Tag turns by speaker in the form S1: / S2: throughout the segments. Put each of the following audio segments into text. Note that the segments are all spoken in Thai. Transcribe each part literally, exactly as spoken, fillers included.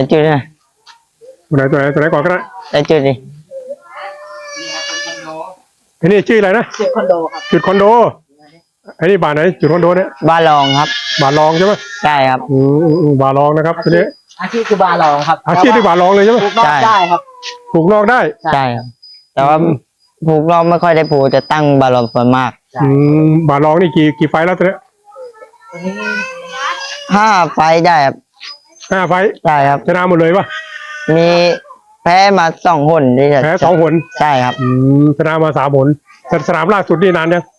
S1: จุดนะ
S2: ตัวไหนตัวไหนตัวไหนก่อนก็ได้
S1: ไอจุดดิ
S2: อันนี้ชื่ออะไรนะ
S3: จุดคอนโดครับ
S2: จุดคอนโดอันนี้บาร์ไหนจุดคอนโดเนี่ย
S1: บาลองครับ
S2: บาร์ลองใช่ไหม
S1: ใช่ครับ
S2: อืมบาร์ลองนะครับตัวนี้
S3: อาชีพคือบาร์ลองครับ
S2: อาชีพที่บาร์ลองเลยใช่ไหม
S3: ปลูกนอกได้ครับ
S2: ปลูกนอกได้
S1: ใช่ครับแต่ว่าปลูกนอกไม่ค่อยได้ปลูกจะตั้งบาลองส่วนมาก
S2: อืมบาร์ลองนี่กี่กี่ไฟแล้วตัวนี้
S1: ห้าไฟได้ครับ
S2: ห้าไฟ
S1: ใช่ครับ
S2: ชนะหมดเลยปะ
S1: มีแพ้มาสองหนที่
S2: แพ้สองหน
S1: ใช่ครับ
S2: อืมชนะมาสามหนแต่สนามล่าสุดนี่นานยัง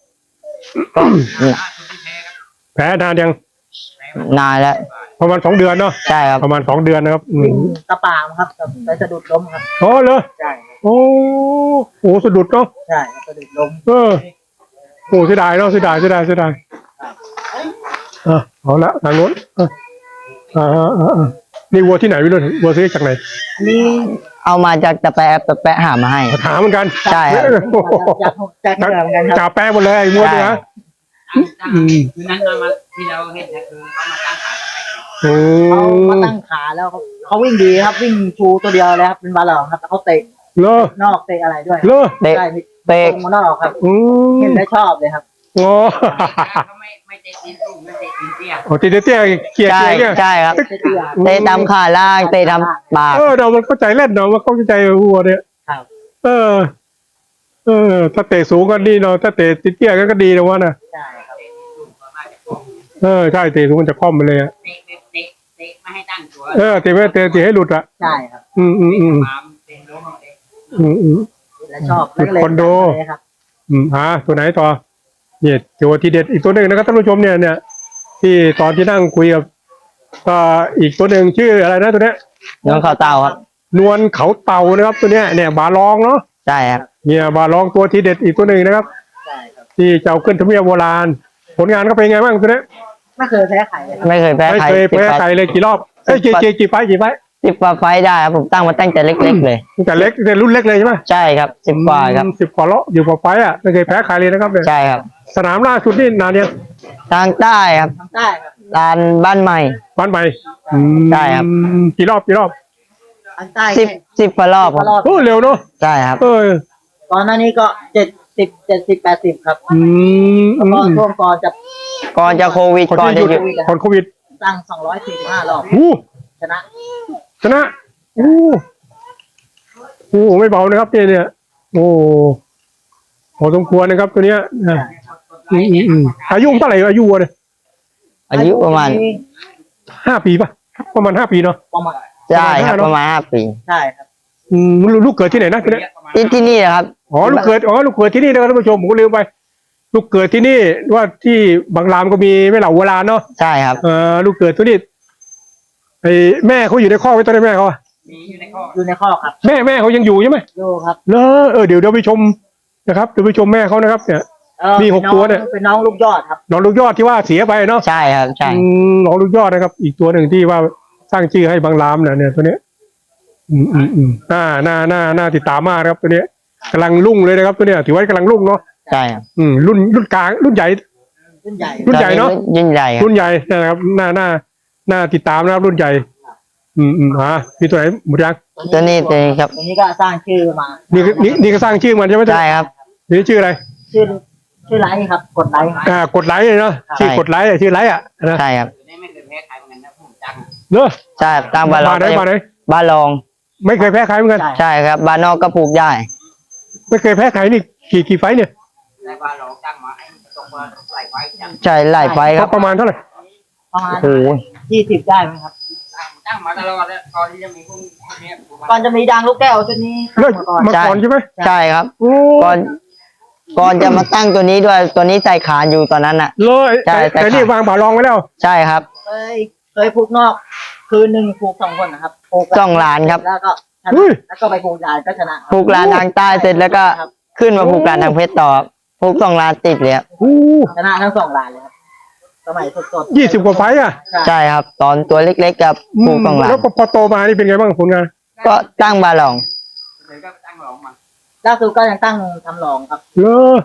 S2: แพ้นานยัง
S1: นานแล้ว
S2: ประมาณสองเดือนเนาะ
S1: ใช่ครับ
S2: ประมาณสองเดือนนะครับ
S3: กระปางครับไปสะดุดล้มครับ
S2: อ๋อเหรอ
S3: ใช่
S2: โอ้โหสะดุดเนาะ
S3: ใช่สะดุดล้ม
S2: เออโอ้เสียดายเนาะเสียดายเสียดายเสียดายอ่ะเอาละทางโน้นอ่าอ่าอ่านี่วัวที่ไหนวิโรจน์วัวซื้อจากไหน
S3: นี่
S1: เอามาจากตะแปะตะแปะหามาให้
S2: ถามเหมือนกัน
S1: ใช่ครับ
S3: จากจากเหนือเหมือนกันครับ
S2: จ่าแปะหมดเลยวัวเนี่ย
S4: อืมคือนั้นเรามาที่เราเห็นนะคือเขามาตั้งขา
S3: เขามาตั้งขาแล้วเขาเขาวิ่งดีครับวิ่งชูตัวเดียวเลยครับเป็นบาลองครับแต่เขาเตะ
S2: เลอะ
S3: นอกเตะอะไรด้วย
S2: เลอะ
S1: เตะเตะ
S3: มานอกครับเห็นได้ชอบเลยครับ
S2: โอ้
S4: เขาไม่ไม่เตะตีนสูงไม่เตะตีนเตี้ย
S2: โอ้ตีเตี้ยเกียร์เกียร์เนี่ย
S1: ใช่ครับเตะตามขาล่างเตะตามปาก
S2: เออเรามันเข้าใจเล่นเนาะมันเข้าใจวัวเนี่ย
S3: ครับ
S2: เออเออถ้าเตะสูงก็ดีเนาะถ้าเตะเตี้ยก็ดีนะวะนะ
S3: ใช่ครับ
S2: เออใช่เตะสูงมันจะคล่อมไปเลยอะ
S4: เตะเตะเตะไม่ให้ตั้งตัว
S2: เออเตะไม่เตะเตะให้หลุดอะ
S3: ใช่ครับ
S2: อืมอืมอืมอืมอืม
S3: แล้วชอบ
S2: จุดคอนโดอืมอ่าตัวไหนต่อเนี่ยตัวที่เด็ดอีกตัวหนึ่งนะครับท่านผู้ชมเนี่ยเนี่ยที่ตอนที่นั่งคุยกับก็อีกตัวหนึ่งชื่ออะไรนะตัวเนี้ย
S1: นวลเขาเต่าครับ
S2: นวลเขาเต่านะครับตัวเนี้ยเนี่ยบาลองเนาะ
S1: ใช่ครับ
S2: เนี่ยบาลองตัวที่เด็ดอีกตัวหนึ่งนะครับ
S3: ใช่ครับ
S2: ที่เจ้าขึ้นทะเบียนโบราณผลงานเขาเป็นไงบ้างตัวเนี้ย
S3: ไม่เคยแพ้ใครเลย
S1: ไม่เคยแพ้ใคร
S2: ไม่เคยแพ้ใครเลยกี่รอบเอ้ยกี่กี่กี่ไฟกี่ไฟ
S1: สิบกว่าไฟได้ครับผมตั้งมาตั้งแต่เล็กๆเลย
S2: ตั้งแต่เล็กแต่รุ่นเล็กเลยใช่ไหม
S1: ใช่ครับสิบกว่าครับ
S2: สิบกว่าล้ออยู่กว่าไฟอ่ะไม่เคยแพ้ใครเลยนะครับเนี่ย
S1: ใช่ครับ
S2: สนามล่าสุดนี่นานยัง
S1: ทางใต้ครับ
S3: ทางใต้ครับ
S1: ลานบ้านใหม่
S2: บ้านใหม่
S1: ใช่ครับ
S2: กี่รอบกี่รอบ
S3: ทางใต้
S1: สิบสิบกว่ารอบครับ
S2: โอ้เร็วเนาะ
S1: ใช่ครับ
S2: เออ
S3: ก่อนหน้านี้ก็เจ็ดสิบเจ็ดสิบแปดสิบครับ
S2: อืม
S3: แล้วก็ช่วงก่อนจะ
S1: ก่อนจะโควิดก่อนจะหยุด
S2: ก่อนโควิด
S3: ตั้งสองร้อยสี่สิบห้ารอบชนะ
S2: ชนะโอ้โหไม่เบานะครับเนี่ยเนี่ยโอ้พอสมควรนะครับตัวเนี้ยอืมอืมอืมอายุเท่าไหร่อายุเนี่ย
S1: อายุประมาณ
S2: ห้าปีป่ะประมาณห้าปีเนาะ
S3: ประมาณ
S1: ใช่ครับประมาณห้าปี
S3: ใช่ครับ
S2: อืมลูกเกิดที่ไหนนะ
S1: ที่ที่นี่ครับ
S2: อ๋อลูกเกิดอ๋อลูกเกิดที่นี่นะครับท่านผู้ชมผมก็ลืมไปลูกเกิดที่นี่ว่าที่บางรามก็มีไม่เหล่าโบราณเนาะ
S1: ใช่ครับ
S2: เออลูกเกิดที่นี่ไอ้แม่เขาอยู่ในข้อไว้ตอนนี้แม่เขา
S4: อยู่ในข้อ
S3: อยู่ในข้อครับ
S2: แม่แม่เขายังอยู่ใช่ไหม
S3: อยู่ครับ
S2: เลอเออเดี๋ยวเดี๋ยวไปชมนะครับเดี๋ยวไปชมแม่เขานะครับเนี่ยมีหกตัวเนี่ย
S3: เป็นน้องลูกยอดครับ
S2: น้องลูกยอดที่ว่าเสียไปเนาะ
S1: ใช่ครับใช่
S2: น้องลูกยอดนะครับอีกตัวหนึ่งที่ว่าสร้างชื่อให้บางรามเนี่ยเนี่ยตัวเนี้ยอืมอืมอืมน่าน่าน่าน่าติดตามมากครับตัวเนี้ยกำลังรุ่งเลยนะครับตัวเนี้ยถือว่ากำลังรุ่งเนาะ
S1: ใช่ครับ
S2: อืมรุ่นรุ่นกลางรุ่นใหญ่
S3: รุ่นใหญ่
S2: รุ่นใหญ่เนาะ
S1: รุ่นใหญ่
S2: รุ่นใหญ่นะครับน่าน่าน่าติดตามนะครับรุ่นใหญ่อืมอืมอ่ามีตัวไหนหมดยัง
S1: ตัวนี้ตัวนี้ครับ
S3: ตัวนี้ก็สร้างชื่อมา
S2: นี่นี่นี่ก็สร้างชื่อมันใช่ไหม
S1: ใช่ครับ
S2: นี่ชื่ออะไร
S3: ชื่อชื่อไลท์ครับกดไลท์
S2: อ่ากดไลท์เลยเนาะชื่อกดไลท์ชื่อไลท์อ่ะนะ
S1: ใช่ครับ
S4: ไม่เคยแพ้ใครเหมือนกันนะผมจัง
S2: เนอะ
S1: ใช่ตามบาลองบาลอง
S2: ไม่เคยแพ้ใครเหมือนกัน
S1: ใช่ครับบานอกก็ผูกได้
S2: ไม่เคยแพ้ใครนี่กี่กี่ไฟเนี่ย
S4: บาลองจังมาไอ้ตรงมาหลายไฟจัง
S1: ใช่หลายไฟครับ
S2: ประมาณเท่าไหร่
S3: ประมาณโอ้โหยี่สิบได้ไหมครับ
S4: ตั้งมาตลอดตอนที่จะมีพวกนี้
S3: ก่อนจะมีดังลูกแก้วชุดนี้
S2: มาก่อนใช่ไหม
S1: ใช่ครับก่อนก่อนจะมาตั้งตัวนี้ด้วยตัวนี้ใส่ขาอยู่ตอนนั้นอ่ะ
S2: เลยใช่แต่นี่วางบาลองไว้แล้ว
S1: ใช่ครับ
S3: เคยเคยผูกนอกคืนหนึ่งผูกสองคนนะครับผูก
S1: สองล้านครับ
S3: แล้วก็แล้วก็ไปผูกลานก็ชนะ
S1: ผูกลานทางใต้เสร็จแล้วก็ขึ้นมาผูกลานทางเพชรต่อผูกสองล้านติดเลย
S3: ชนะทั้งสองล้านเลยครับสมัยสด
S2: ๆยี่สิบกว่าไฟอ่ะ
S1: ใช่ครับตอนตัวเล็กๆกับผูกสองล้าน
S2: แล้วพอโตมานี่เป็นไงบ้างผลงาน
S1: ก็ตั้งบาลอง
S3: ล่าสุดก็ยังตั้งทำหลองครับ
S2: เลอ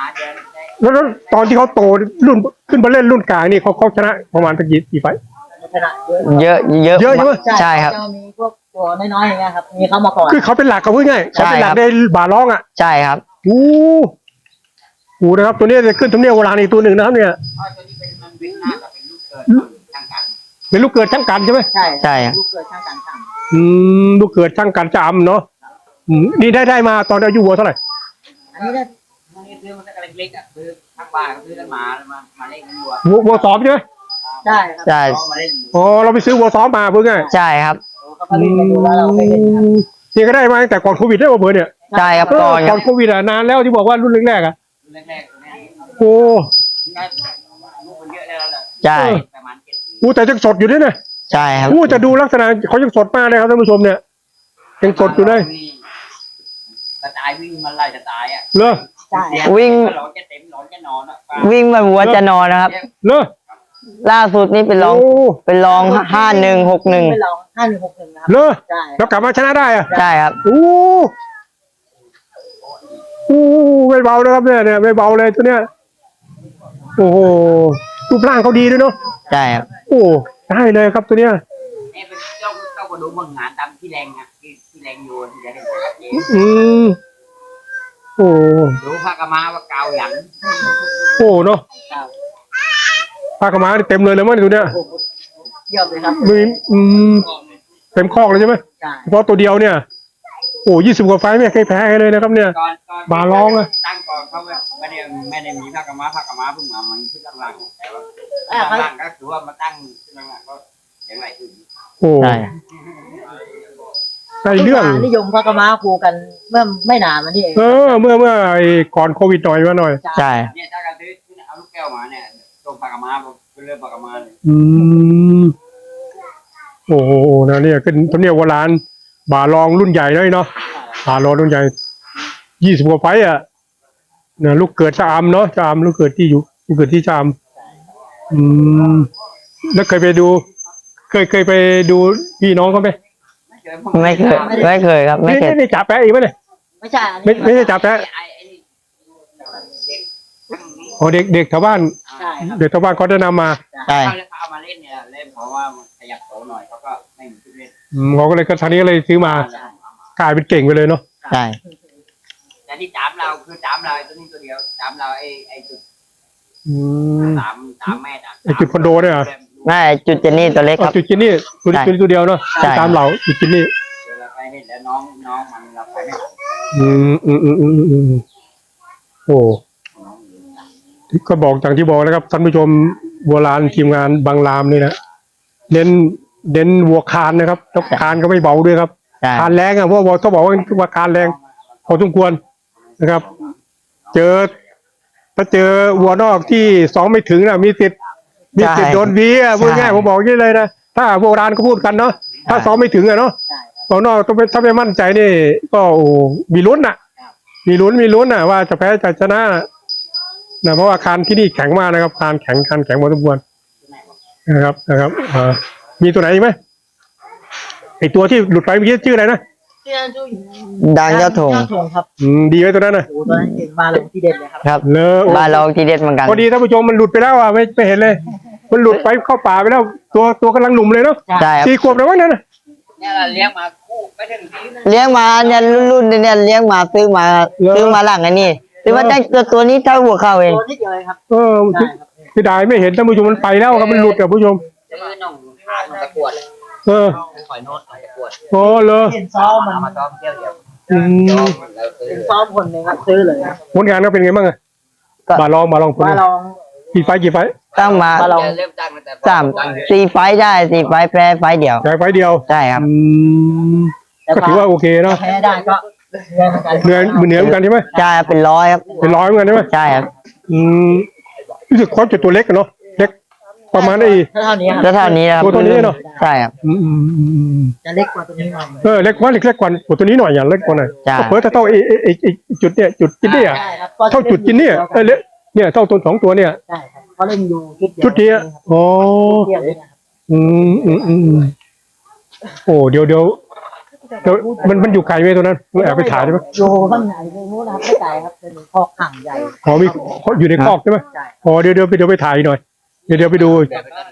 S2: แล้วตอนที่เขาโตรุ่นขึ้นมาเล่นรุ่นกลางนี่เขาเขาชนะประมาณกี่กี่ไฟ
S3: ขนาดเยอะ
S1: เยอะเยอะ
S2: เยอะใช่ไหม
S1: ใช่ครับ
S3: จะมีพวกตัวน้อยๆอย่างเงี้ยครับมีเข้ามาก่อน
S2: คือเขาเป็นหลักเขาพูดง่ายๆ
S1: ใช่
S2: เขาเป็นหลั
S1: ค
S2: ก
S1: รับ
S2: ในบาร้องอ่ะ
S1: ใช่ครับ
S2: โอ้โหนะครับตัวนี้จะขึ้นทำเนียบโบราณอีกตัวหนึ่งนะครับเนี่ย
S4: เพราะตัวนี้เป็นมันเป็นหน้ากับเป็นลูกเกิดทางการ
S2: เป็นลูกเกิดช่างกันใช่ไหม
S3: ใช่
S1: ใช่ครับ
S3: ลูกเกิดช่างการช่าง
S2: อืมลูกเกิดช่างกันจำเนาะอืมนี่ได้ได้มาตอนอายุวัวเท่าไหร่
S3: อันนี้ได้
S4: พวกนี้ซื้อมาตั้งแต่เล็กๆอ่ะซื้อทางบ้านก็ซื้อกันมามามาเล่นกันวัว
S2: วัววัวซ้อมใช่ไหม
S3: ได้ครับ
S1: ใช่
S4: มาเล่น
S2: อ๋อเราไปซื้อวัวซ้อมมาพูดง่าย
S1: ใช่ครับ
S3: เขาก็เล่นกันดูแล้วเราไปเล่นครับ
S2: นี่ก็ได้มาตั้งแต่ก่อนโควิดได้ป่ะเบอร์เนี่ย
S1: ใช่ครับ
S2: เออ
S1: ก่อนค
S2: ก่
S1: รั
S2: อบ นโควิดอ่ะนานแล้วที่บอกว่ารุ่นแรกๆอ่ะ
S4: แรกๆตัวเนี้ย
S2: โอ้
S4: ได้ลูกมันเยอะแล้วแหละ
S1: ใช่
S4: ประมาณเจ็ดปี
S2: โหแต่ยังสดอยู่ด้วยนะ
S1: ใช่ครับ
S2: โอ้จะดูลักษณะเขายังสดมากเลยครับท่านผู้ชมเนี่ยยังสดอยู่เลย
S4: กระต่ายวิ่งมันไล่จะตายอ่ะ
S2: เลอ
S3: ใช่
S1: วิ่ง
S4: หลอนจะเต็มหลอนจะนอนอ่ะ
S1: วิ่งมาวัวจะนอนนะครับ
S2: เลอ
S1: ล่าสุดนี่เป็นรอง
S2: โอ้
S1: เป็นรองห้าหนึ่งหกหนึ่ง
S3: ไม่ลองห้าหนึ่งหกหนึ่งนะครับ
S2: เลอ
S3: ใช่
S2: แล้วกลับมาชนะได้อ่ะ
S1: ใช่ครับ
S2: โอ้โอ้ไม่เบานะครับเนี่ยเนี่ยไม่เบาเลยตัวเนี้ยโอ้โหรูปร่างเขาดีด้วยเนาะ
S1: ใช่ครับ
S2: โอ้ได้เลยครับตัวเนี้ย
S4: นี่เป็นเจ้าเจ้าก็ดูมึงงานตามที่แรงอ่ะที่ที่แรงโยนที่จะเห็นชัดเจน
S2: อืมโอ้
S4: ดูพระกมาว่าเกาหยัน
S2: โอ้เนาะ
S3: ครับ
S2: ผ้ากำมาเต็มเลยเลยมั้งตัวเนี้ย
S3: โอ้โหเยี่ยมเลยครับ
S2: มีอืมเต็มคอกเลยใช่ไหม
S3: ใช่
S2: เฉพาะตัวเดียวเนี่ย โอ้ยี่สิบกว่าไฟล์ไม่เคยแพ้ใครเลยนะครับเนี่ย
S4: ก่อนก่อน
S2: บาร้องอะ
S4: ตั้งก่อนเขาไม่ได้ไม่ได้มีพระกมาพระกมาเพิ่งมามันขึ้นหลังๆแต่ว่า
S3: อ่าครับ
S4: หลังๆก็ถือว่ามาตั้งขึ้นหลังๆก็ยังไงขึ้น
S2: โอ้
S1: ใช่
S2: ได้เรื่อง
S3: นิยมพระกมาครูกันเมื่อไม่นานมานี่เอง
S2: เออ เมื่อเมื่อไอ้ก่อนโควิดหน่อยมาหน่อย
S1: ใช่
S4: เนี่ยถ้าการซื้อเอาลูกแก้วมาเนี่ยตรงพระกมาเป็นเรื่องพระกมาเลย
S2: อืมโอ้โหนะเนี่ยขึ้นทำเนียบโบราณบาลองรุ่นใหญ่เลยเนาะบาลองรุ่นใหญ่ยี่สิบกว่าไฟต์อ่ะเนี่ยลูกเกิดชะอำเนาะชะอำลูกเกิดที่อยู่ลูกเกิดที่ชะอำอืมแล้วเคยไปดู เคยเคยไปดูพี่น้องเขาไหม
S1: ไม่เคยไม่เคยครับ ไม่
S2: นี่
S1: เคย
S2: นี่นี่จ่าแปะอีกไหมเนี่ย
S3: ไม่ใช่อัน
S2: ไม่
S3: นี้
S2: ไม่ใช่จ่าแปะ
S4: ไอ้ไอ้นี่เด็กทั้งนี้
S2: อ๋อเด็กเด็กชาวบ้าน
S3: ใช่ครับ
S2: เด็กชาวบ้านเขาแนะนำมา
S1: ใช่
S4: เขาเอามาเล่นเนี่ยเล่นเพราะว่ามันขยับโตหน่อยเขาก็ไม่มีชื่อเล่น
S2: อืมเขาก็เลยก็ทางนี้ก็เลยซื้อมา กลายเป็นเก่งไปเลยเนาะ
S1: ใช่
S4: แต่ที่จามเราคือจามเราไอ้ตัวนี้ตัวเดียวจามเราไอ้ไอ้จุด
S2: อืม
S4: สามสามแม่จาม
S2: ไอ้จุดคอนโดเนี่ยเหรอ
S1: ไม่จุดเจนนี่ตัวเล็ก
S2: อ๋
S1: ค
S2: อ
S1: รับ
S2: จุดจินนี่ตัวนี้
S1: ใช่
S2: ตัวนี้ตัวเดียวเนาะ
S1: ใช่
S2: ตามเหล่าจุดจินนี่
S4: เวลาไปเห็นแล้วน้องน้องมันเราไปไม่ทัน
S2: อืมอืมอืมอืมอืมโอ้ก็บอกอย่างที่บอกนะครับท่านผู้ชมโบราณทีมงานบางรามนี่นะเน้นเน้นวัวคานนะครับแล้วคานก็ไม่เบาด้วยครับ
S1: ใช่
S2: คานแรงอ่ะเพราะว่าต้องบอกว่าว่าคานแรงพอสมควรนะครับ เจอถ้าเจอวัวนอกที่สองไม่ถึงนะมีสิทธิ์มีสิทธิ์โดนวีอ่ะพูดง่ายผมบอกอย่างนี้เลยนะถ้าโบราณก็พูดกันเนาะถ้าสองไม่ถึงอ่ะเนาะ
S3: ใช่ครับ
S2: วัวนอกต้องเป็นถ้าไม่มั่นใจนี่ก็โอ้มีลุ้นน่ะ มีลุ้นมีลุ้นน่ะ ว่าจะแพ้จะชนะนะเพราะว่าคานที่นี่แข็งมากนะครับคานแข็งคานแข็งพอสมควรนะครับนะครับอ่ามีตัวไหนอีกไหมไอตัวที่หลุดไปเมื่อกี้ชื่ออะไรนะ
S3: ที่นั่นชื่อ
S1: ดังเจ้าถง
S3: เจ้าถงครับ
S2: อืมดีไว้ตัวนั้นนะ
S3: โอ้โหตอนนั้นเก่งมาเลยที่เด็ดเลยครับ
S1: ครับ
S2: เลอโอ้
S1: บ้านเราทีเด็ดเหมือนกัน
S2: พอดีท่านผู้ชมมันหลุดไปแล้วอ่ะไม่ไม่เห็นเลย มันหลุดไปเข้าป่าไปแล้ว ตัวตัวกำลังหนุ่มเลยเนาะ
S1: ใช่ครับ
S2: สี่ขวบแล้วมั้งนั่นน่ะ
S4: เนี่ยเราเลี้ยงมาคู่ไม่ถึงทีนะ
S1: เลี้ยงมาเนี่ยรุ่นๆเนี่ยเลี้ยงมาซื้อมาซื้อมาหลังไอ้นี่ซื้อมาได้ตัวตัวนี้เท่าหัวเข่าเอง
S3: ตัวนิดเดียวเองครับ
S2: เออ
S3: ใช่ครับ
S2: พี่ดายไม่เห็นท่านผู้ชมมันไปแล้วครับมันหลุดอ่ะผู้ชม
S4: จะมือน้องขาดตะกวด
S2: เออ
S4: คอยโน้ตตะกวด
S2: โอ้เลย
S3: เห็นซ้อมมัน
S4: มาซ้อมเที่ยวเดียว
S2: อืม
S4: แล้วซื้อ
S3: เป็นซ้อมคนหนึ่งครับซื้อเลยครับ
S2: ผลงานก็เป็นไงบ้างอะ
S1: ก็
S2: มาลองมาลองผลาน
S3: มางลอง
S2: กี่ไฟล์กี่ไฟล์
S1: ตั้งมา
S3: มาลอง
S4: เริ่มตั้งตั้งแต่
S1: สามสี่ไฟต์ได้สี่ไฟต์แพ้ไฟต์เดียว
S2: แค่ไฟล์เดียว
S1: ใช่ครับ
S2: อืม
S3: แต่
S2: ก็ถือว่าโอเคเนาะ
S3: แพ้ได้ก็เหนื่อยเหมือนกัน
S2: เหนื่อยเหนื่อยเหมือนกันใช่ไหม
S1: ใช่ครับเป็นร้อยครับ
S2: เป็นร้อยเหมือนกันใช่ไหม
S1: ใช่ครับ
S2: อืมรู้สึกเขาจะตัวเล็กกันเนาะเล็กประมาณไอ้
S3: เท่านี้ครับ
S1: แล้วเท่านี้นะครับ
S2: ตัวเท่านี้เนอะ
S1: ใช่ครับ
S2: อืมอืมอืมอืม
S3: จะเล็กกว่าตัวนี้หน่อย
S2: เออเล็กกว่าเล็กเล็กกว่าตัวนี้หน่อยอย่างเล็กกว่าหน่อย
S1: ใช่
S2: ก็เพิ่มเท่าไอ้ไอ้ไอ้ไอ้จุดเนี่ยจุดจินนี่อะ
S3: ใช่ครับ
S2: เท่าจุดจินนี่อะเออเล็กเนี่ยเท่าตัวสองตัวเนี่ย
S3: ใช่ครับเขาเล่นอยู่ชุดเดียว
S2: จุดเดียวอ๋อ
S3: เดียวเลยนะครับ
S2: อืมอืมอืมอืมโอ้เดี๋ยวเดี๋ยวเดี๋ยวมันมันอยู่ไกลไหมตัวนั้นแอบไปถ่ายได้ไหม
S3: อยู่ข้างในในนู้นนะครับไม่ไกลครับเป็นคอกห่างใหญ่
S2: อ๋อมีอยู่ในคอกใช่ไหม
S3: ใช่
S2: อ๋อเดี๋ยวเดี๋ยวไปเดี๋ยวไปถ่ายหน่อยเดี๋ยวเดี๋ยวไปดู
S4: แบบเอา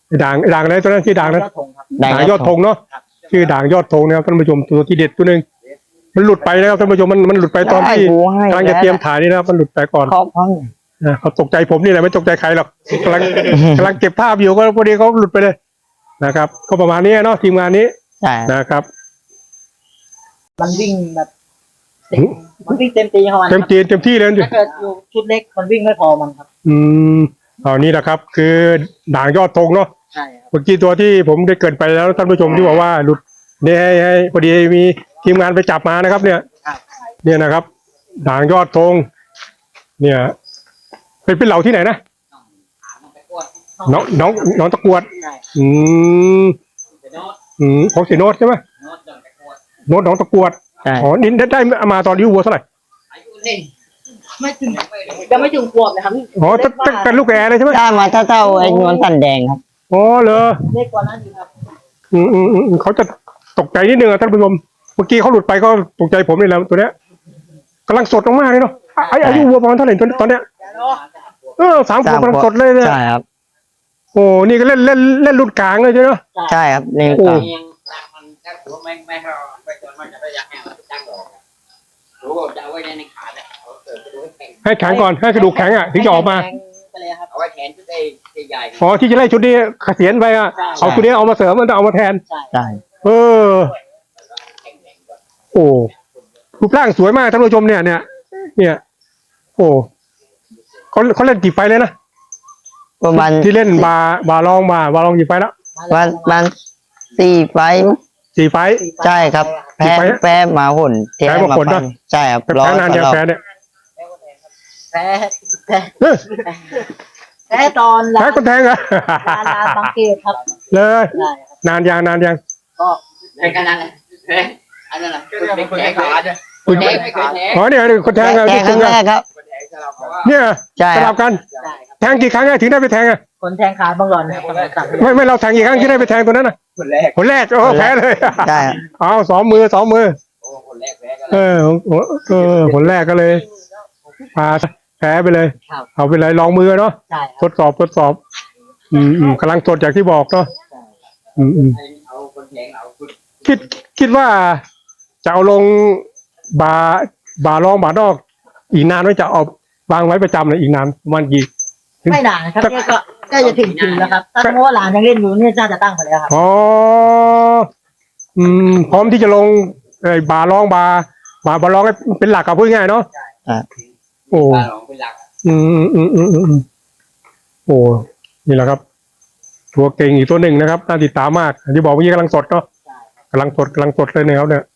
S2: ไอ้ด่างไอ้ด่างอะไรตัวนั้นชื่อด่างนะ
S3: ยอดธงครับ
S1: ด่าง
S2: ด่างยอดธงเนาะ
S3: ครับ
S2: ชื่อด่างยอดธงนะครับท่านผู้ชมตัวที่เด็ดตัวหนึ่งมันหลุดไปนะครับท่านผู้ชมมันมันหลุดไปตอนที่
S1: ได้กูให้
S2: กำลังจะเตรียมถ่ายนี่นะครับมันหลุดไปก่อน
S1: เขาเขา
S2: นะเขาตกใจผมนี่แหละไม่ตกใจใครหรอกกำลังกำลังเก็บภาพอยู่ก็พอดีเขาหลุดไปเลยนะครับ ก็ประมาณนี้เนาะทีมงานนี้
S1: ใช่
S2: นะครับ
S3: มันวิ่งแบบเต็มมันวิ่งเต็มตีของมันค
S2: เต็
S3: รั
S2: ม
S3: บ
S2: จีนเต็มที่เลย
S3: ถ้าเกิดอยู่ชุดเล็กมันวิ่งไม่พอมันครับ
S2: อืมเอานี้นะครับ คือด่างยอดธงเนาะ
S3: ใช่ครับ
S2: เมื่อกี้ตัวที่ผมได้เกรินไปแล้วท่านผู้ชมที่บอกว่าหลุดเนี่ยให้ให้พอดีมีทีมงานไปจับมานะครับ เนี่ย
S3: ครับ
S2: เนี่ยนะครับ ด่างยอดธงเนี่ย เป็นเป็นเหล่าที่ไหนนะ
S4: มันไปกวด
S2: น้องน้องน้องตะกรวด
S3: ใช่
S2: อืม
S4: ไปโน้ต
S2: อืมของเสียโนตใช่ไหม
S4: โน้ตเดินไปกวด
S2: โนตน้องตะกรวด
S1: ใช่
S2: อ๋อนี่ได้ได้มาตอนอายุวัวเท่าไหร่
S4: อายุเล่น
S3: ไม่ถึง
S4: ไม่เลย
S3: ยังไม่ถึงขวบเลยครับ
S2: อ๋อตั้งตั้งแต่ลูกแอร์เลยใช่ไหม
S1: ได้มาเท่าเท่าๆไอ้นวลสันแดงครับ
S2: อ๋อเหรอ
S3: เล็กกว่านั้นอยู่ครับ
S2: อืมอืมอืมอืมเขาจะตกใจนิดนึงอะท่านผู้ชมเมื่อกี้เขาหลุดไปก็ตกใจผมนี่แหละตัวเนี้ยกำลังสดมากๆเลยเนาะไอ้อายุวัวประมาณเท่าไหร่ตอนตอนเนี้ยเออสามขวบกำลังสดเลยเนี่ย
S1: ใช่ครับ
S2: โอ้นี่ก็เล่นเล่นเล่นรุ่นกลางเลยใช่ไหม
S1: ใช่ครับนี่
S2: โอ้
S1: ก่อน
S4: ยังตั้งมันตั้งหัวไม่ไม่ให้เราไปจนมันจะไปยักแห้งตั้งดอกรู้ว่าจะเอาไว้ในขาเนี่ยเอาเกิดไปดูให้แข็ง
S2: ให้แข็งก่อนให้กระดูกแข็งอ่ะถึงจะออกมา
S3: แข็งไปเลยครับ
S4: เอาไว้แขนชุดใหญ่
S2: อ๋อที่จะไล่ชุดนี้เกษียณไปอ่ะเอาชุดนี้เอามาเสริมมันจะเอามาแทน
S3: ใช่
S1: ใช่
S2: เออ
S4: แข็งแรงกว่า
S2: โอ้รูปร่างสวยมากท่านผู้ชมเนี่ยเนี่ยเนี่ย โอ้เขาเขาเล่นกี่ไฟเลยนะ
S1: ประมาณ
S2: ที่เล่นบาบาลองบาบาลองกี่ไฟแล้ว
S1: วันวันสี่ไฟล์มั้ง
S2: สี่ไฟ
S1: ใช่ครับ แพ้
S2: กี่ไฟล์
S1: แพ้หมาหุ่นเท
S2: แพ้หมาหุ่น
S1: ไป
S2: นะ
S1: ใช่ครับ
S2: แพ้นานยัง
S1: รอบ
S2: แพ้เนี่ย
S3: แพ้แพ้
S2: เฮ้ย
S3: แพ้ตอนร้า
S2: แพ้
S3: น
S2: คนแทงเหรอ
S3: ร้านร้านบางเกตครับ
S2: เลย
S3: ใช่ครับ
S2: นานยังนานยัง
S3: ก็
S4: แข็งขนาดนั้นเฮ้ยอันนั้นน่ะคนแข็งขาเนี่ย
S2: คุณ
S4: แข็งไม่เคยแข็ง
S2: อ๋อเนี่ยคนแทงอะ
S1: แพ้ครั้งแรกครับ
S4: คนแข็งสลับเพราะว่า
S2: เนี่ย
S1: ใช่
S2: ส
S1: ค
S2: ลั
S1: รั
S2: บบ กัน
S3: ใช่ครับ
S2: แทงกี่ครั้งอะถึงได้ไปแทงอะ
S3: คนแทงขาบางหลอนนะครับตัด
S2: ไม่ไม่เราแทงกี่ครั้งที่ได้ไปแทงตัวนั้นอะ
S4: คนแรก
S2: คนแรกโอ้แพ้เลย
S1: ใช่ครับ
S2: เอาสองมือสองมือ
S4: โอ้คนแรกแพ้กัน
S2: เออเออคนแรกก็เลยพาแพ้ไปเลย
S3: ครับ
S2: เอาไปเลยลองมือเนาะ
S3: ใช่ค
S2: ท
S3: รับ
S2: ดสอบทดสอบ อืมอืมกำลังสดอย่างที่บอกเนาะอืมอืม
S4: เอาคนแข็งเอาคุณ
S2: คิดคิดว่าจะเอาลงบาบาลองบานอก อีกนานไว้จะเอาวางไว้ประจำเลยอีกนานประมาณกี่
S3: ไม่นานครับเนี่ยก็ใกล้จะถึงจริงแล้วครับถ้าสมมติว่าหลานยังเล่นอยู่เนี่ยน่าจะตั้งไปแล้วครับ
S2: อ๋ออืมพร้อมที่จะลงไอ้บาลองบาบาบาลองให้เป็นหลักกับพูดง่ายๆเนาะ
S1: อ่า
S2: โอ้
S4: ปลาหลงเป็นหลัก
S2: อืมอืมอืมอืมอืมโอ้นี่แหละครับ ตัวเก่งอีกตัวหนึ่งนะครับน่าติดตามมากอย่างที่บอกเมื่อกี้กำลังสดเนาะกำลังสดกำลังสดเลยนะครับเนี่ย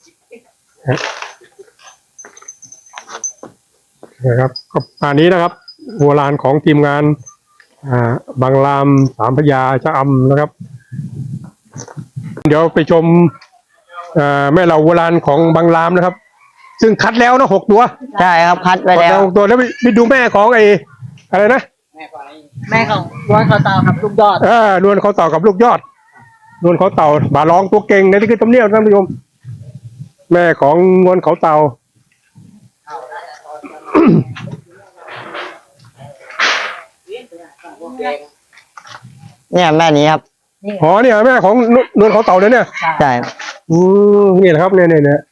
S2: นะครับก็อันนี้นะครับโบราณของทีมงาน อ่าบางรามสามพระยาชะอำนะครับ เดี๋ยวไปชมอ่าแม่เหล่าโบราณของบางรามนะครับ ซึ่งคัดแล้วนะหกตัว
S1: ใช่ครับคัดไป
S2: คัด
S1: แล้ว
S2: หกตัวแล้วไปไปดูแม่ของไอ้อะไรนะ
S4: แม่คนนี้
S3: แม่ของร้อนคอเตาครับลูกยอด
S2: เออนวลเขาเต่ากับลูกยอด นวลเขาเต่าบาลองตัวเก่งในที่คือตำเนียบท่านผู้ชมแม่ของนวลเขาเต่า
S1: เนี่ยแม่นี้ครับ
S3: นี่
S2: อ๋อเนี่ยแม่ของนนวลเขาเต่าเลยเนี่ย
S1: ใช่
S2: อืมนี่แหละครับเนี่ยเนี่ยเนี่ย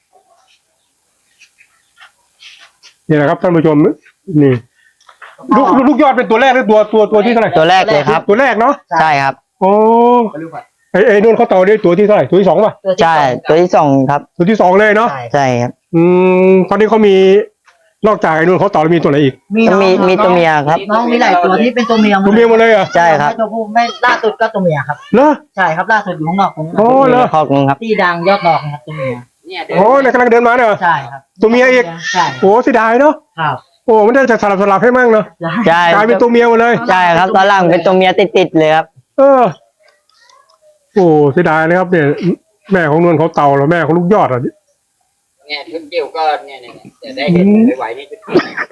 S2: นี่แหละครับท่านผู้ชมนี่ลูกลูกลูกยอดเป็นตัวแรกหรือตัวตัวตัวที่เท่าไหร่
S1: ตัวแรกเลยครับ
S2: ตัวแรกเนาะ
S1: ใช่ครับ
S2: โอ้ไอ้ไอ้นวลเขาเต่าเนี่ยตัวที่เท่าไหร่ตัวที่สองป่ะ
S3: ตัวที่
S1: ใช่
S3: สอง
S1: ตัวที่สองครับ
S2: ตัวที่สองเลยเนาะ
S3: ใช่
S1: ใช่ครับ
S2: อืมตอนนี้เขามีนอกจากไอ้นวลเขาเต่าแล้วมีตัวไหนอีก
S3: มี
S1: ก็
S3: น้อง
S1: มีมีตัวเมียครับ
S3: น้องมีหลายตัวที่เป็นตัวเมียห
S2: ตัวเมียหมดเลยเหรอ
S1: ใช่ครับ
S3: ไม่ตัวผู้ไม่ล่าสุดก็ตัวเมียครับ
S2: เหรอ
S3: ใช่ครับล่าสุดอยู่ข้างนอกผม
S2: โอ้เหรอ
S1: คอกนึงครับ
S3: ที่ดังยอดดอกนะครับตัวเมีย
S4: เนี่ยเดิน
S2: โอ้เนี่ยกำลังเดินมาเนี่ยเหรอ
S3: ใช่ครับ
S2: ตัวเมียอีก
S3: ใช่
S2: โอ้เสียดายเนาะ
S3: ครับ
S2: โอ้มันได้จะสลับสลับให้มั่งเนาะ
S1: ใช่
S2: กลายเป็นตัวเมียหมดเลย
S1: ใช่ครับตอนหลังเป็นตัวเมียติดๆเลยครับ
S2: เออ โอ้เสียดายนะครับเนี่ยแม่ของนวลเขาเต่าแล้วแม่ของลูกยอดอ่ะ
S4: เนี่ยชุดเกี่ยวก็เนี่ยเนี่ยจะได้เห็นไหวๆนี่ชุด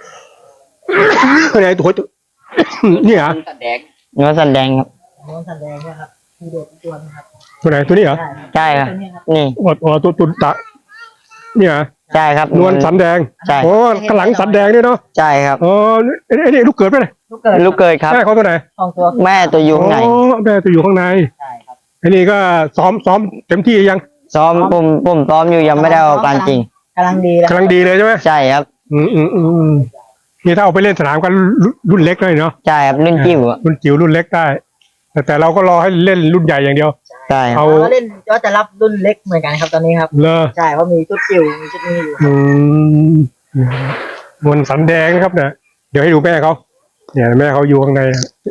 S2: ไหนตัวตัว นี่เหรอ
S4: ตัดแดง
S1: เนื้อสันแดงครับ
S3: น้องสันแดงนะครับมีเด็กตัวนะครับ
S2: ตัวไหนตัวนี้เหรอ
S3: ใช่ครับ
S1: ใช่ครับ
S3: ตัวนี้ครับ
S1: นี่
S2: โอ้โหตัวตุนตะเนี่ยเหรอ
S1: ใช่ครับ
S2: นวลสันแดง
S1: ใช่
S2: โอ้กระหลังสันแดงด้วยเนาะ
S1: ใช่ครับ
S2: อ๋อไอ้ไอ้นี่ลูกเกิดไปเลย
S3: ลูกเกิด
S1: ลูกเกยครับ
S2: แม่เขาตัวไหน
S3: สองตัว
S1: แม่ตัวยุงไหน
S2: อ๋อแม่ตัวอยู่ข้างใน
S3: ใช่ครับ
S2: ไอ้นี่ก็ซ้อมซ้อมเต็มที่ยัง
S1: ซ้อมผมผมซ้อมอยู่ยังไม่ได้เอาการจริง
S3: กำลังดีแล้ว
S2: กำลังดีเลยใช่ไหม
S1: ใช่ครับ
S2: อืมอืมอืมอืมนี่ถ้าเอาไปเล่นสนามกันรุ่นรุ่นเล็กเลยเนาะ
S1: ใช่ครับรุ่นจิ๋วอะ
S2: รุ่นจิ๋วรุ่นเล็กได้ แต่แต่เราก็รอให้เล่นรุ่นใหญ่อย่างเดียว
S1: ใช่ครับ
S2: เอา
S3: เราก็เล่นก็จะรับรุ่นเล็กเหมือนกันครับตอนนี้ครับ
S2: เลอ
S3: ใช่เพราะมีชุดจิ๋วมีชุดนี้อยู่
S2: อืมนวลสันแดงนะครับเนี่ยเดี๋ยวให้ดูแม่เขาเนี่ยแม่เขาอยู่ข้างใน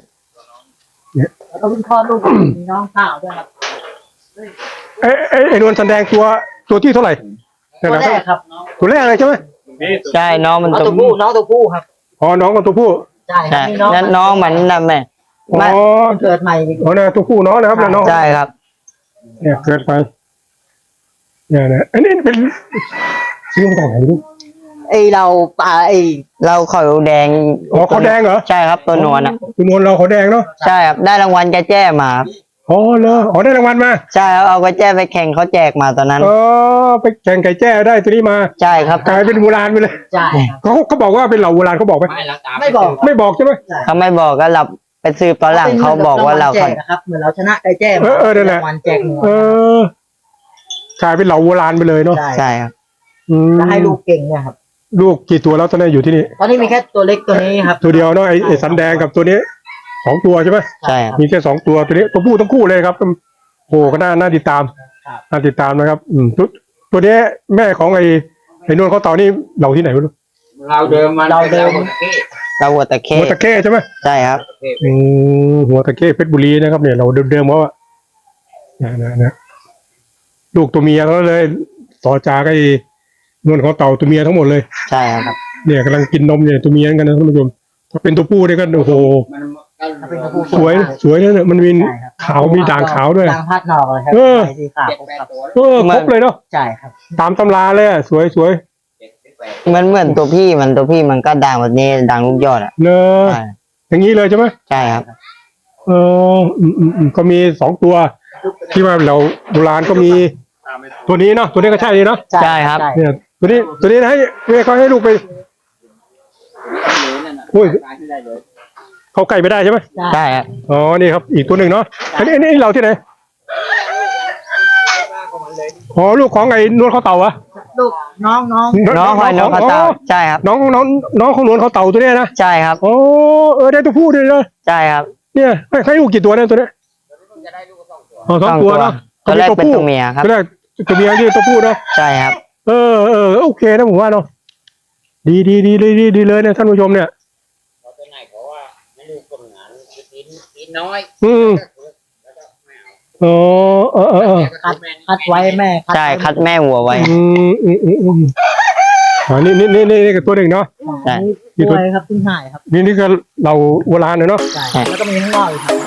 S3: แล้วก็เพิ่งคลอดลูกมีน้องสาวด้วยครับ
S2: เอ้ไอ้ไอ้นวลสันแดงตัวตัวที่เท่าไหร่
S3: ตัวแรกครับน้อง
S2: ตัวแรกเลยใช่ไหม
S1: ใช่น้องมัน
S3: น้อง
S1: ตั
S3: ตัว วผู้น้องตัวผู้ครับ
S2: อ๋อน้องกับตัวผู้
S3: ใช่ครั
S1: ใช่
S3: บมีน้อง
S1: นั่นน้องมันนะแม่
S2: อ๋อ
S1: ไม่
S3: เกิดใหม่อีก
S2: อ๋อเนี่ยตัวผู้น้องนะครับเนี่ยน้อง
S1: ใช่ครับ
S2: เนี่ยเกิดไปเนี่ยนะอันนี้เป็นซื้อมาจากไหนลูก
S3: ไอเราป่าไอ
S1: เราเขาแดง
S2: อ๋อเขาแดงเหรอ
S1: ใช่ครับตัวนวลอ่ะ
S2: ตัวนวลเราเขาแดงเนาะ
S1: ใช่ครับได้รางวัลกระแจ้มาครับ
S2: อ๋อเหรออ๋อได้รางวัลมา
S1: ใช่ครับเอากระแจ้ไปแข่งเขาแจกมาตอนนั้น
S2: อ๋อไปแข่งไก่แจ้ได้ตัวนี้มา
S1: ใช่ครับ
S2: กลายเป็นโบราณไปเลย
S3: ใช่ครับ
S2: เขาเขาบอกว่าเป็นเหล่าโบราณเขาบอกไหม
S4: ไม่เราตาม
S3: ไม่บอก
S2: ไม่บอกใช่ไหม
S1: เขาไม่บอกก็เราไปสืบตอนหลังเขาบอกว่าเรา
S3: แจกนะครับเหมือนเราชนะไก่แจ้รางวัลแจกหนึ่ง
S2: เออกลายเป็นเหล่าโบราณไปเลยเนาะ
S3: ใช่
S1: ใช่ครับ
S2: อืม
S3: แล้วให้ลูกเก่งเนี่ยครับ
S2: ลูกกี่ตัวแล้วตอนนี้อยู่ที่นี่
S3: ตอนนี้มีแค่ตัวเล็กตัวนี้ครับ
S2: ตัวเดียวเนาะไอ้ไอ้สันแดงกับตัวนี้สองตัวใช่ไหม
S1: ใช่ครับ
S2: มีแค่สองตัวตัวนี้ตัวผู้ทั้งคู่เลยครับโอ้ก็น่าน่าติดตาม
S3: ครับ
S2: น่าติดตามนะครับ อืมตัวตัวนี้แม่ของไอ้ไอ้นวลเขาเต่านี่เราที่ไหนไม่รู้
S4: เราเดิมมัน
S3: เราเดิม
S1: เราวัวตะเข้
S2: หัวตะเข้ใช่ไหม
S1: ใช่ครับ
S2: อืมหัวตะเข้เพชรบุรีนะครับเนี่ยเราเดิมๆเขาอะนะนะนะลูกตัวเมียเขาเลยต่อจากไอ้นวลเขาเต่าตัวเมียทั้งหมดเลย
S1: ใช่ครับ
S2: เนี่ยกำลังกินนมเนี่ยตัวเมียกันนะท่านผู้ชมถ้าเป็นตัวผู้เนี่ยก็โอ้โห
S4: มัน
S3: ถ้าเป็นตัวผู้
S2: สวยสวยนะเนี่ยมันมี
S3: ใช่ครับ
S2: ขาวมีด่างขาวด้วย
S3: ด่างพัดหนอกเลยครับ
S2: เออ
S3: ใส่สีขาว
S4: เจ็ด
S3: ค
S4: แปด
S3: รับ
S4: ตัว
S2: เออครบเลยเนาะ
S3: ใช่ครับ
S2: ตามตำราเลยอะสวยสวย
S4: เจ็ดแปด
S1: มันเหมือนตัวพี่มันตัวพี่มันก็ดังแบบนี้ดังลูกยอดอ่ะ
S2: เนอะ
S1: ใช่
S2: อย่างนี้เลยใช่ไหม
S1: ใช่ครับ
S2: เอออืมอืมอืมก็มีสองตัว ที่ว่าเราโบราณก็มีตัวนี้เนาะตัวนี้ก็ใช่เลยเนาะ
S1: ใช่ครับ
S2: เนี่ยตัวนี้ตัวนี้ให้แม่เขาให้ลูกไป โอ้ย เขาไก่ไม่ได้ใช่ไหม
S1: ใช่ครับ
S2: อ๋อนี่ครับอีกตัวหนึ่งเนาะอันนี้อันนี้เราที่ไหนอ๋อลูกของไอ้นวลเขาเต่าอะ
S3: ลูกน้องน้อง
S1: น้องหอยนกกระเต่าใช่ครับ
S2: น้องน้องน้องของนวลเขาเต่าตัวเนี้ยนะ
S1: ใช่ครับ
S2: โอ้เออได้ตัวผู้ด้วยนะ
S1: ใช่ครับ
S2: เนี่ยให้ให้ลูกกี่ตัวเนี่ยตัวเนี้ยอ๋อสองตัวเนาะ
S1: ตัวแรกเป็นตัวเมียครับ
S2: ตัวแรกตัวเมียที่ตัวผู้เนาะ
S1: ใช่ครับ
S2: เออเออโอเคนะผมว่าเนาะดีดีดีดีดีดีเลยเนี่ยท่านผู้ชมเนี่ย
S4: เราไปไหนเพราะว่าไม่รู้คนงานกินกินน้อย
S2: อืม
S4: แล้วก็ไม่เอา
S2: อ๋อเออเออเออ
S3: คัดคัดไว้แม่
S1: ใช่คัดแม่วัวไว้
S2: อืมอืมอืมอืมอ่านี่นี่นี่นี่ก็ตัวหนึ่งเนาะ
S1: ใช่
S3: ป่วยครับเพิ่งหายครับ
S2: นี่นี่ก็เราโบราณเนาะ
S3: ใช่แล้วก็มีข้างนอกอีกครับ